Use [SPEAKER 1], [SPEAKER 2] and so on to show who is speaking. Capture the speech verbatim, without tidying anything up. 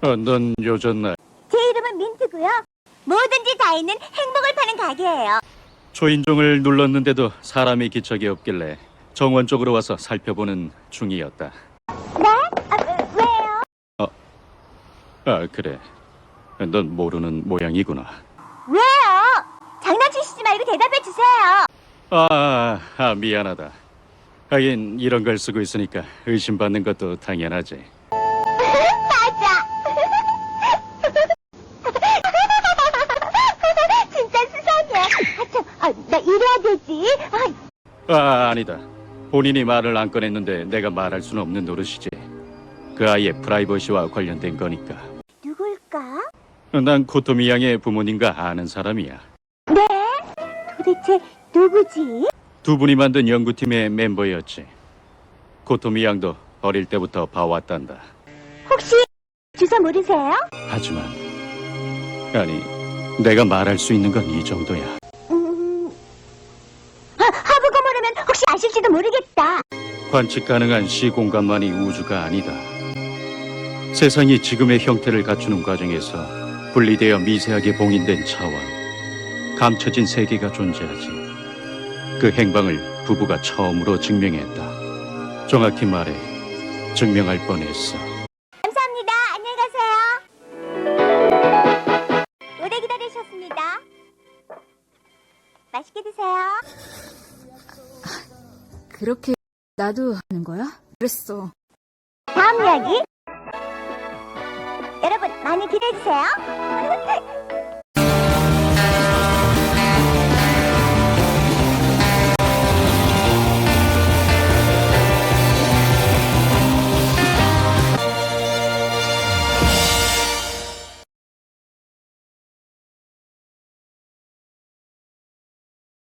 [SPEAKER 1] 어, 넌 요즘
[SPEAKER 2] 제 이름은 민트고요. 뭐든지 다 있는 행복을 파는 가게예요.
[SPEAKER 1] 초인종을 눌렀는데도 사람이 기척이 없길래 정원 쪽으로 와서 살펴보는 중이었다.
[SPEAKER 2] 네? 아, 왜- 왜요?
[SPEAKER 1] 어, 아, 그래. 넌 모르는 모양이구나.
[SPEAKER 2] 왜요? 장난치시지 말고 대답해 주세요.
[SPEAKER 1] 아, 아, 미안하다. 하긴 이런 걸 쓰고 있으니까 의심받는 것도 당연하지.
[SPEAKER 2] 맞아. 진짜 수상해. 아, 참, 아, 나 이래야 되지. 아,
[SPEAKER 1] 아, 아니다. 본인이 말을 안 꺼냈는데 내가 말할 수는 없는 노릇이지. 그 아이의 프라이버시와 관련된 거니까.
[SPEAKER 2] 누굴까?
[SPEAKER 1] 난 코토미 양의 부모님과 아는 사람이야.
[SPEAKER 2] 네? 도대체 누구지?
[SPEAKER 1] 두 분이 만든 연구팀의 멤버였지. 코토미 양도 어릴 때부터 봐왔단다.
[SPEAKER 2] 혹시 주소 모르세요?
[SPEAKER 1] 하지만 아니, 내가 말할 수 있는 건 이 정도야.
[SPEAKER 2] 음... 하, 하부고 모르면 혹시 아실지도 모르겠다.
[SPEAKER 1] 관측 가능한 시공간만이 우주가 아니다. 세상이 지금의 형태를 갖추는 과정에서 분리되어 미세하게 봉인된 차원, 감춰진 세계가 존재하지. 그 행방을 부부가 처음으로 증명했다. 정확히 말해 증명할 뻔했어.
[SPEAKER 2] 감사합니다. 안녕히 가세요. 오래 기다리셨습니다. 맛있게 드세요.
[SPEAKER 3] 그렇게 나도 하는 거야? 그랬어.
[SPEAKER 2] 다음 이야기. 여러분 많이 기대해 주세요.